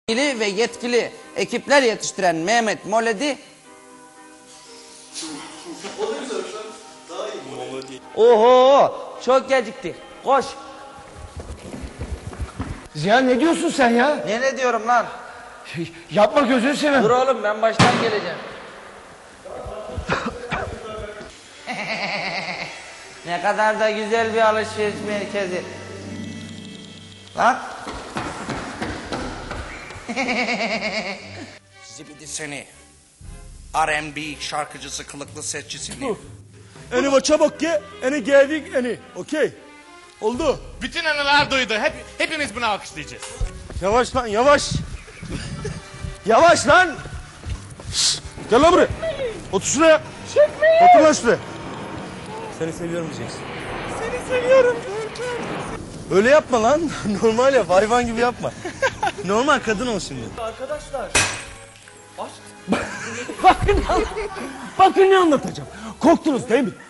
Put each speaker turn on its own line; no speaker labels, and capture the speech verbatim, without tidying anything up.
ve yetkili ekipler yetiştiren Mehmet Moledi. Oho, çok geciktik. Koş.
Ziya ne diyorsun sen ya?
Ne ne diyorum lan?
Yapma gözünü seveyim.
Dur oğlum, ben baştan geleceğim. Ne kadar da güzel bir alışveriş merkezi. Lan. Zibidi seni. R and B şarkıcısı, kılıklı setçi seni.
Eni çabuk ye, eni geldik eni. Okey. Oldu.
Bütün anılar duydu. Hep, hepimiz bunu alkışlayacağız.
Yavaş lan yavaş. Yavaş lan. Şşt, gel lan buraya. Otur şuraya. Çekmeyin. Otur lan şuraya. Seni seviyorum diyeceksin.
Seni seviyorum.
Öyle yapma lan. Normal yap. Hayvan gibi yapma. Normal kadın ol şimdi.
Arkadaşlar. Bakın, bakın ne anlatacağım. Korktunuz değil mi?